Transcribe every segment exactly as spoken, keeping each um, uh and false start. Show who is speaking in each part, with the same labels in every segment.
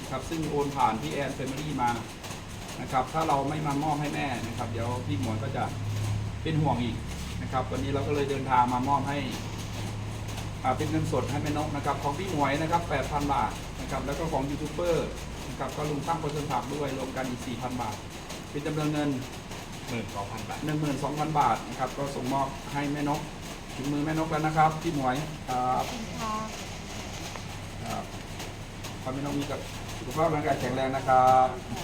Speaker 1: นะครับซึ่งโอนผ่านพี่แอนเฟมิลี่มานะครับถ้าเราไม่มามอบให้แม่นะครับเดี๋ยวพี่หมวยก็จะเป็นห่วงอีกนะครับวันนี้เราก็เลยเดินทางมามอบให้เป็นเงินสดให้แม่นกนะครับของพี่หมวยนะครับ แปดพัน บาทนะครับแล้วก็ของยูทูบเบอร์นะครับก็ลุงตั้งคนสผักด้วยรวมกันอีก สี่พัน บาทเป็นจำนวนเงิน
Speaker 2: หนึ่งหมื่นสองพัน บาท
Speaker 1: หนึ่งหมื่นสองพัน บาทนะครับก็ส่งมอบให้แม่นกถึงมือแม่นกแล้วนะครับพี่หมวยครับครับขอให้แม่นกมีกับสุขภาพร่างกายแข็งแรงนะครับ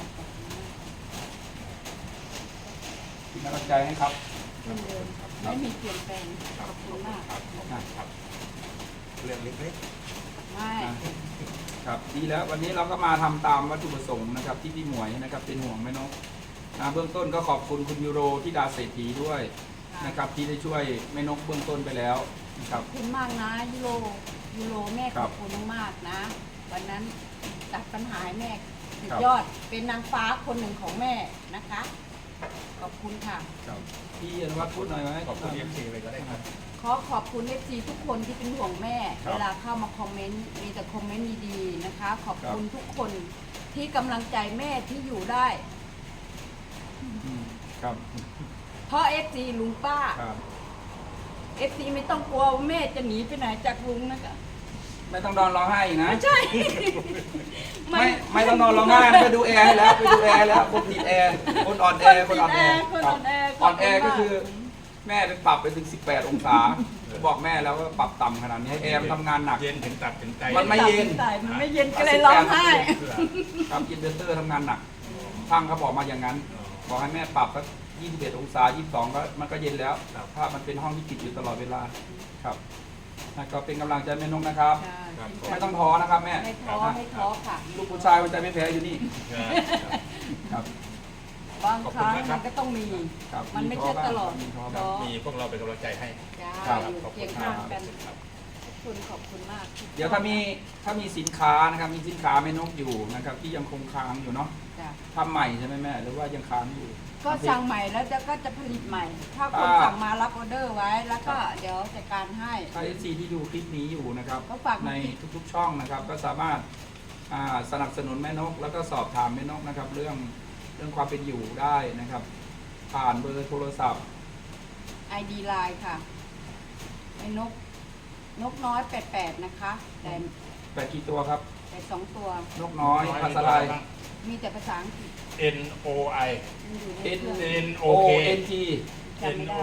Speaker 1: เป็นกำลังใจให้ครับ
Speaker 3: เหมือนเดิมไม่มีเปลี่ยนแปลงขอบคุณมาก
Speaker 2: ครับครับเรื่องเล็ก
Speaker 3: ไม่
Speaker 1: ครับดีแล้ววันนี้เราก็มาทำตามวัตถุประสงค์นะครับที่พี่หมวยนะครับเป็นห่วงแม่นกนะเบื้องต้นก็ขอบคุณคุณยูโรที่ดาเศรษฐีด้วยนะครับที่ได้ช่วยแม่นกเบื้องต้นไปแล้วนะครับ
Speaker 3: ขอบคุณมากนะยูโรยูโรแม่
Speaker 1: ค
Speaker 3: ข
Speaker 1: รั
Speaker 3: อ
Speaker 1: บบ
Speaker 3: คุณมากๆนะวันนั้นตัดปัญหาให้แม่สุด
Speaker 1: ครับ
Speaker 3: ยอดเป็นนางฟ้าคนหนึ่งของแม่นะคะขอบคุณค่ะ
Speaker 1: ครับพี่อนุวัฒน์พูดหน่อยไหม
Speaker 2: ๆขอบคุณเอฟซีเลยก็ได้ครับ
Speaker 3: ขอขอบคุณเอฟซีทุกคนที่เป็นห่วงแม่
Speaker 1: ครับ
Speaker 3: เวลาเข้ามาคอมเมนต์มีแต่คอมเมนต์ดีๆนะคะ ขอบ
Speaker 1: ครับ
Speaker 3: คุณทุกคนที่กำลังใจแม่ที่อยู่ได้
Speaker 1: อืมครับ
Speaker 3: เพราะเอฟซีลุงป้า
Speaker 1: ครับ
Speaker 3: เอฟซีไม่ต้องกลัวว่าแม่จะหนีไปไหนจากลุงนะคะ
Speaker 1: ไม่ต้องนอนร้องไห้อีกนะ
Speaker 3: ไม่ใช่
Speaker 1: ไม่ไม่ต้องนอนร้องไห้นะไปดูแอร์ให้แล้วไปดูแอร์แล้วคนติดแอร์คนอ่อนแอคนอ่อนแอ
Speaker 3: คน
Speaker 1: ครั
Speaker 3: อ่
Speaker 1: บ
Speaker 3: อนแอ
Speaker 1: อ่อนแอก็คือแม่ไปปรับไปถึงสิบแปดองศาบอกแม่แล้วว่าปรับต่ำขนาดนี้แอร์มันทำงานหนัก
Speaker 2: เย็นถึงตับถึงใจ
Speaker 1: มันไม่เย็น
Speaker 3: ใส่มันไม่เย็นก็เลยร้องไห้
Speaker 1: ครับอินเวอร์เตอร์ทำงานหนักช่างเขาบอกมาอย่างนั้นบอกให้แม่ปรับสักยี่สิบเอ็ดองศายี่สิบสองก็มันก็เย็นแล้วถ้ามันเป็นห้องที่ปิดอยู่ตลอดเวลาครับนะก็เป็นกำลังใจแม่นกนะครับ ไม่ต้องท้อนะครับแม่
Speaker 3: ไม่ท้อไม่ท้อค่ะ
Speaker 1: ลูกผู้ชายมันใจไม่แพ้อยู่นี่ครับ
Speaker 3: บางครั้งมันก็ต้องมี
Speaker 1: ครับ
Speaker 3: มันไม่ใช่ตลอด
Speaker 1: มีท้อ
Speaker 3: ท้อ
Speaker 2: มีพวกเราเป็นกำลังใจให้
Speaker 3: จ้า
Speaker 1: ครับ
Speaker 3: อยู่
Speaker 2: ขอบคุ
Speaker 3: เคีย
Speaker 2: ณ
Speaker 3: ง
Speaker 2: ครั
Speaker 3: ข้า
Speaker 2: บ
Speaker 3: งกันขอบคุณขอบคุณมาก
Speaker 1: เดี๋ยวถ้ามีถ้ามีสินค้านะครับมีสินค้าแม่นกอยู่นะครับที่ยังคงค้างอยู่เนาะ
Speaker 3: จ้ะ
Speaker 1: ทำใหม่ใช่ไหมแม่หรือว่ายังค้างอยู่
Speaker 3: ก็สั่งใหม่แล้วเดี๋ยวก็จะผลิตใหม่ ถ้าคน
Speaker 1: อ่า
Speaker 3: สั่งมารับออเดอร์ไว้ แล้วก็เดี๋ยวจัดการให้
Speaker 1: ถ้าเอฟซีที่ดูคลิปนี้อยู่นะครับ
Speaker 3: ก็ฝาก
Speaker 1: ในทุกๆช่องนะครับ ก็สามารถอ่าสนับสนุนแม่นก แล้วก็สอบถามแม่นกนะครับ เรื่องเรื่องความเป็นอยู่ได้นะครับ ผ่านเบอร์โทรศัพท์
Speaker 3: ไอดีไลน์ค่ะไอ้นก นกน้อยแปดแปดนะคะแต่
Speaker 1: แปดกี่ตัวครับ
Speaker 3: แต่สองตัวน
Speaker 1: กน้อยภาษาไทย
Speaker 3: มีแต่ภาษาอังกฤษ
Speaker 2: N O I
Speaker 3: มันอยู่ใน
Speaker 1: N
Speaker 3: เครื่อง
Speaker 2: N
Speaker 1: O
Speaker 2: O K
Speaker 1: N T
Speaker 3: จำไม่ได้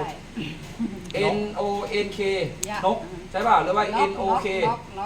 Speaker 1: N O N K
Speaker 3: ยะ
Speaker 1: นกใช่ป่ะหรือว่า N O K
Speaker 3: ล็อกล็อก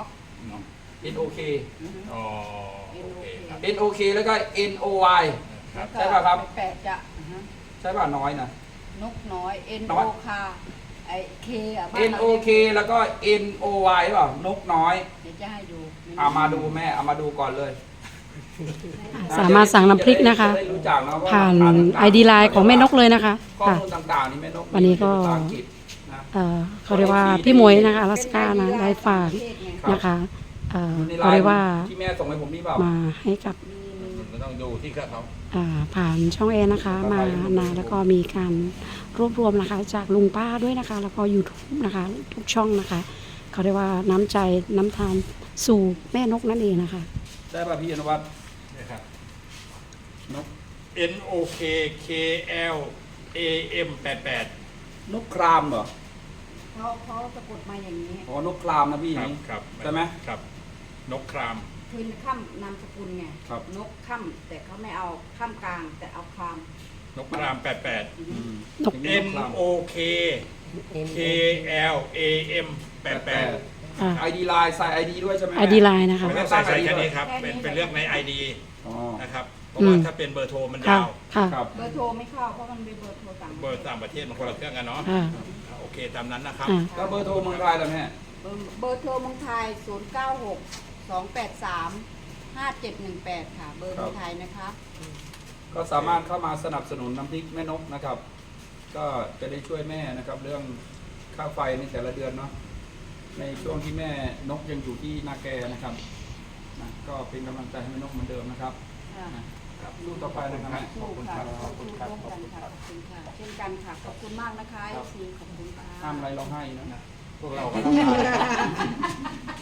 Speaker 1: N O K
Speaker 3: อือฮึ
Speaker 2: อ๋อโอเคครับ
Speaker 1: N O K แล้วก็ N O Y
Speaker 2: ครับ
Speaker 1: ใช่ป่ะครับ
Speaker 3: แปดจะอือฮึ
Speaker 1: ใช่ป่ะน้อยนะ
Speaker 3: นกน้อย N
Speaker 1: น้
Speaker 3: O
Speaker 1: อย
Speaker 3: K ไอ K อ่ะบ้าน
Speaker 1: N
Speaker 3: เรา
Speaker 1: O
Speaker 3: เรียก
Speaker 1: K แล้วก็ N O Y เปล่านกน้อย
Speaker 3: เดี๋ยวจะให้ดู
Speaker 1: เอามาดูแม่เอามาดูก่อนเลย
Speaker 4: สามารถสั่งน้ำพริกนะคะ
Speaker 1: จได้รู้จักนะว่า
Speaker 4: ผ่าน
Speaker 1: ร้ต่างๆ
Speaker 4: ไอดีไลน์ของแม่นกเลยนะคะ
Speaker 1: ข้อ
Speaker 4: ค่ะ
Speaker 1: มูลต่างๆนี่แม่นก
Speaker 4: วันนี้ก็
Speaker 1: มีภาษาอังฤษนะ
Speaker 4: เอ่อเขาเรียกว่าพี่หมวยนะคะอลาสก้านะได้ฝากนะคะเอ่อ
Speaker 1: ในไล
Speaker 4: เขาเรีย
Speaker 1: น์
Speaker 4: กว่า
Speaker 1: ที่แม่ส่งให้ผมนี่เปล่า
Speaker 4: มาให้กับ
Speaker 2: มันต้องดูที่เขา
Speaker 4: อ่าผ่านช่องแอนนะคะ มานะแล้วก็มีการรวบรวมนะคะ จากลุงป้าด้วยนะคะ แล้วก็ YouTube นะคะทุกช่องนะคะ เขาเรียกว่าน้ำใจน้ำทานสู่แม่นกนั่นเองนะคะ
Speaker 1: ได้ป่ะพี่อนุวัฒน์
Speaker 2: นะครับ
Speaker 1: นก
Speaker 2: N O K K L A M แปดแปด
Speaker 1: นกครามเหรอ
Speaker 3: เขาเขาสะกดมาอย่างนี้
Speaker 1: อ๋อนกครามนะพี่
Speaker 2: ครับ
Speaker 1: นี่
Speaker 2: ครับ
Speaker 1: ใช่ไหม
Speaker 2: ครับ นกคราม
Speaker 3: คือข้ามนามสกุลไง
Speaker 1: ครับ
Speaker 3: นกข้ามแต่เขาไม่เอาข้ามกลางแต่เอาคาม
Speaker 2: นกครามแปดแปด
Speaker 1: อืม
Speaker 4: นก
Speaker 1: อย่าง
Speaker 2: N
Speaker 1: คราม
Speaker 2: O K K L A M แปดแปด
Speaker 4: อ่า
Speaker 1: ไอดีไลน์ใส่ไอดีด้วยใช่ไหม
Speaker 4: ไอดีไลน์นะคะ
Speaker 2: ไม่ต้องใส่ใส่แค่นี้ครับ เป็นเป็นเรื่องใน ไอ ดี
Speaker 1: อ๋อ
Speaker 2: นะครับ เพราะว่า
Speaker 4: อืม
Speaker 2: ถ้าเป็นเบอร์โทรมัน
Speaker 4: ค่ะ
Speaker 2: ยาว
Speaker 4: ค่ะ
Speaker 1: ครับ
Speaker 3: เบอร์โทรไม่เข้าเพราะมันเป็นเบอร์โทรต่าง
Speaker 2: เบอร์ต่างประเทศมันคนละเครื่องกันเนาะ
Speaker 4: ค่ะ
Speaker 2: โอเคตามนั้นนะครับ
Speaker 4: อ่า
Speaker 1: แล้วเบอร์โทรเมืองไทยล่ะแม่
Speaker 3: เบอร์เบอร์โทรเมืองไทย ศูนย์ เก้า หก สอง แปด สาม ห้า เจ็ด หนึ่ง แปด ค่ะ เบอร์เมืองไทยนะคะ
Speaker 1: ก็สามารถเข้ามาสนับสนุนน้ำพริกแม่นกนะครับ ก็จะได้ช่วยแม่นะครับเรื่องค่าไฟในแต่ละเดือนเนาะในช่วงที่แม่นกยังอยู่ที่นาแกนะครับนะก็เป็นกำลังใจให้แม่นกเหมือนเดิมนะครับ
Speaker 3: ค่ะ
Speaker 1: ครับลูกต่อไปนะครับแม่
Speaker 3: สู้ค่ะสู้ร่วมกันค่ะ ขอบคุณค่ะ เช่นกันค่ะ ขอบคุณมากนะคะซีขอบคุณค่ะ
Speaker 1: ห้ามไรร้องไห้นะ
Speaker 2: พวกเราก็ต้องการ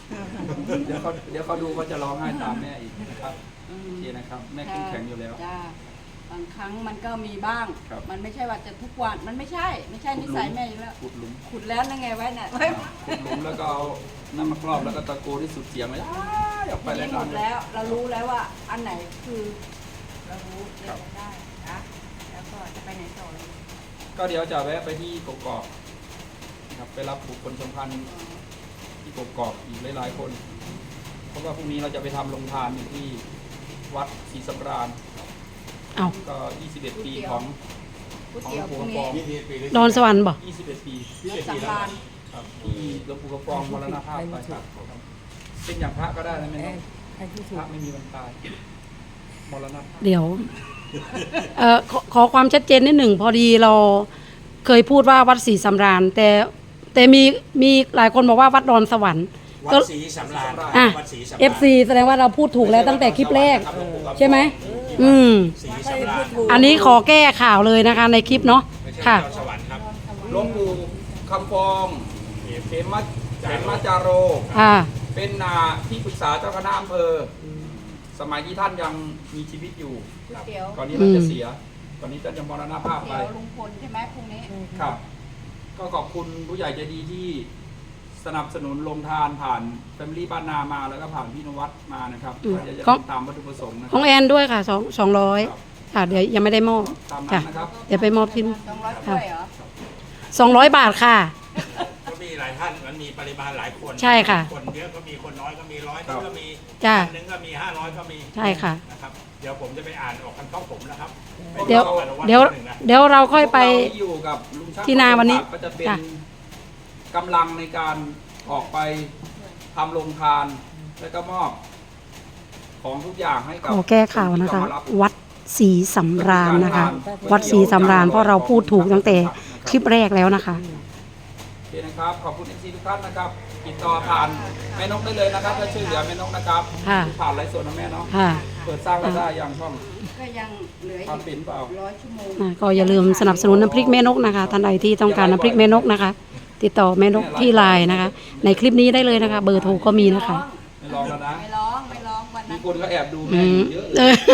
Speaker 1: เดี๋ยวเขาเดี๋ยวเขาดูเขาจะร้องไห้ตามแม่อีกนะครับ
Speaker 3: อื
Speaker 1: โอ
Speaker 3: ม
Speaker 1: เคนะครับ แม่เข้มแข็งอยู่แล้ว
Speaker 3: จ้าบางครั้งมันก็มีบ้าง
Speaker 1: ครับ
Speaker 3: มันไม่ใช่ว่าจะทุกวันมันไม่ใช่ ไม่ใช่นิสัยแม่อยู่แล้ว
Speaker 1: ขุดหลุม
Speaker 3: ขุดแล้วนั่นไงไว้น่ะไว้
Speaker 1: ขุดหลุมแล้วก็เอาน้ำมะกรอบแล้วก็ตะโกนที่สุดเสียงเลยอ้ายออกไป
Speaker 3: ที
Speaker 1: แล้ว
Speaker 3: นี้หม
Speaker 1: นอน
Speaker 3: ดแล้ว เรารู้แล้วว่าอันไหนคือ เรารู้
Speaker 1: ครั
Speaker 3: เล่
Speaker 1: บ
Speaker 3: นได้นะแล้วก็จะไปไหนต่อเลย
Speaker 1: ก็เดี๋ยวจะแวะไปที่กกอกนะครับไปรับบุคคลสำคัญที่กกอกอีกหลายๆคน เพราะว่าพรุ่งนี้เราจะไปทำโรงทานอยู่ที่วัดศรีสำราญ
Speaker 4: เอา
Speaker 1: ก็ ยี่สิบเอ็ด ปีของ
Speaker 3: ก๋วยเตี๋ยวพรุ่ง
Speaker 1: ของหลวงปู่
Speaker 3: นี้
Speaker 2: ยี่สิบปีหรือ
Speaker 4: ดอนสวรรค์บ่
Speaker 1: ยี่สิบเอ็ด ปี
Speaker 3: รถสังฆาน
Speaker 1: ครับที่หลวงปู่กระปองมรณภาพไปครับเป็นอย่างพระก็ได้นะแม่เนาะพระไม่มีวันตายมรณภาพ
Speaker 4: เดี๋ยวเอ่อขอขอความชัดเจนนิดหนึ่งพอดีเราเคยพูดว่าวัดศรีสำราญแต่แต่มีมีหลายคนบอกว่าวัดดอนสวรรค์
Speaker 2: วั
Speaker 4: ก็
Speaker 2: ดศรีสำราญ
Speaker 4: อ่ะ
Speaker 2: วัดศรีสำราญ
Speaker 4: เอฟซีแสดงว่าเราพูดถูกแล้วตั้งแต่คลิปแรก ใช่ไหมอืม
Speaker 2: ศรีสำราญ
Speaker 4: อันนี้ขอแก้ข่าวเลยนะคะในคลิปเนาะ
Speaker 2: ไม่ใช่
Speaker 4: ค่ะ
Speaker 2: ดอนสวรรค์ครับ
Speaker 1: หลวงปู่คำฟองเขมเขมจาโร
Speaker 4: อ่า
Speaker 1: เป็นนาที่ปรึกษาเจ้าคณะอำเภออสมัยที่ท่านยังมีชีวิตอยู่
Speaker 3: ก๋วยเตี๋ยว
Speaker 1: ก่อนนี้ท่านจะเสียก่อนนี้ท่านจะมรณภาพ
Speaker 3: ก๋วย
Speaker 1: ไป
Speaker 3: เตี๋ยวลุงพลใช่ไหมพรุ่งนี้
Speaker 1: ครับ ก็ขอบคุณผู้ใหญ่ใจดีที่สนับสนุนลงทานผ่านแฟมิลี่บ้านนามาแล้วก็ผ่านพี่นวัดมานะครับ
Speaker 4: อืม
Speaker 1: ก็จะ
Speaker 4: ของ
Speaker 1: ตามวัตถุประสงค์นะค
Speaker 4: ของ
Speaker 1: รับ
Speaker 4: แอนด้วยค่ะสองสองร้อยค่ะเดี๋ยวยังไม่ได้มอบ
Speaker 1: ตามนั้
Speaker 4: ค่ะ
Speaker 1: นนะครับ
Speaker 4: เดี๋ยวไปมอบที่
Speaker 3: สองร้อยถ้วยเหรอ
Speaker 4: สองร้อยบาทค่ะ
Speaker 2: ก็มีหลายท่านมันมีปริมาณหลายคน
Speaker 4: ใช่ค่ะ
Speaker 2: คนเยอะก็มีคนน้อยก็มีร้อย
Speaker 1: ครับ
Speaker 2: ก็มี
Speaker 4: จ้ะ
Speaker 2: พันหนึ่งก็มีห้าร้อยก็มี
Speaker 4: ใช่ค่ะ
Speaker 2: นะครับเดี๋ยวผมจะไปอ่านออกคำเข้าผมนะครับ
Speaker 4: เดี๋ยว
Speaker 2: ไปอนุต
Speaker 4: เดี๋ยว
Speaker 2: หนึ่งนะ
Speaker 4: เดี๋ยวเราค่อยไป
Speaker 1: พวกเราที่อยู่กับลุงช่าง
Speaker 4: ที่นาวันนี้
Speaker 1: ก็จะเป็น
Speaker 4: จ้ะ
Speaker 1: กำลังในการออกไปทำโรงทาน แล้วก็มอบของทุกอย่างให้กับ
Speaker 4: ขอแก้ข่าวนะคะ
Speaker 1: ที่จมารับ
Speaker 4: วัดศรีสำราญนะคะ วัดศรีสำราญเพราะเราพูดถูกตั้งแต่คลิปแรกแล้วนะคะ
Speaker 1: โอเคนะครับ ขอบคุณเอฟซีทุกท่านนะครับ ติดต่อผ่านแม่นกได้เลยนะครับถ้าช่วยเหลือแม่นกนะครับ
Speaker 4: ค่ะ
Speaker 1: ผ่านไลฟ์สดนะแม่เนาะ
Speaker 4: ค่ะ
Speaker 1: เปิดสร้างรายได้อย่างช่อง
Speaker 3: ก็ยังเหลืออี
Speaker 1: ทำเป็นเปล่า
Speaker 3: กร้อยชั่วโมง
Speaker 4: อ่าก็อย่าลืมสนับสนุนน้ำพริกแม่นกนะคะท่านใดที่ต้องการน้ำพริกแม่นกนะคะ ติดต่อแม่นกที่ไลน์นะคะ ในคลิปนี้ได้เลยนะคะ เบอร์โทรก็มีนะคะ
Speaker 1: ไม่ลองแล้วนะ
Speaker 3: ไม่ร้องไม่ร้องวัน
Speaker 1: มี
Speaker 3: นั้น
Speaker 1: คนก็แอบดู
Speaker 4: อื
Speaker 1: แม่อ
Speaker 4: ม
Speaker 1: ยู่เยอะเล
Speaker 4: เอย อ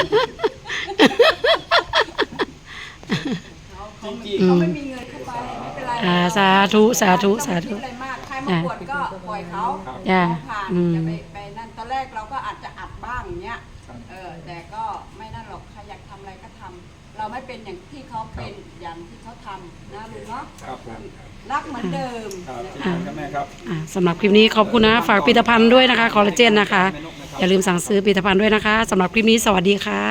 Speaker 3: เขาเขา
Speaker 1: จริง
Speaker 4: อืม
Speaker 3: เขาไม่มีเงินเข้าไปไม่เป็นไร
Speaker 4: อ่าสาธุสาธุสาธุ
Speaker 3: ไม่ต้องไปคิดอะไรมากใครมาปวดก็ปล่อยเขา
Speaker 4: จ้ะ
Speaker 3: เขาผ่าน
Speaker 4: อืม
Speaker 3: จะไปไปนั่นตอนแรกเราก็อาจจะอัดบ้างอย่างเงี้ย
Speaker 1: ครับ
Speaker 3: เออแต่ก็ไม่นั่นหรอกใครอยากทำอะไรก็ทำเราไม่เป็นอย่างที่เขาเป็นอย่างที่เขาทำนะลุงเนาะ
Speaker 1: ครับผม
Speaker 3: รักเหมือนเดิม
Speaker 1: ครับ
Speaker 3: นะ
Speaker 1: เช่น
Speaker 3: คะ
Speaker 1: กันครับแม่ครับ
Speaker 4: อ่าสำหรับคลิปนี้ขอบคุณนะ ฝากผลิตภัณฑ์ด้วยนะคะ คอลลาเจนนะคะ อย่าลืมสั่งซื้อผลิตภัณฑ์ด้วยนะคะสำหรับคลิปนี้สวัสดีค่ะ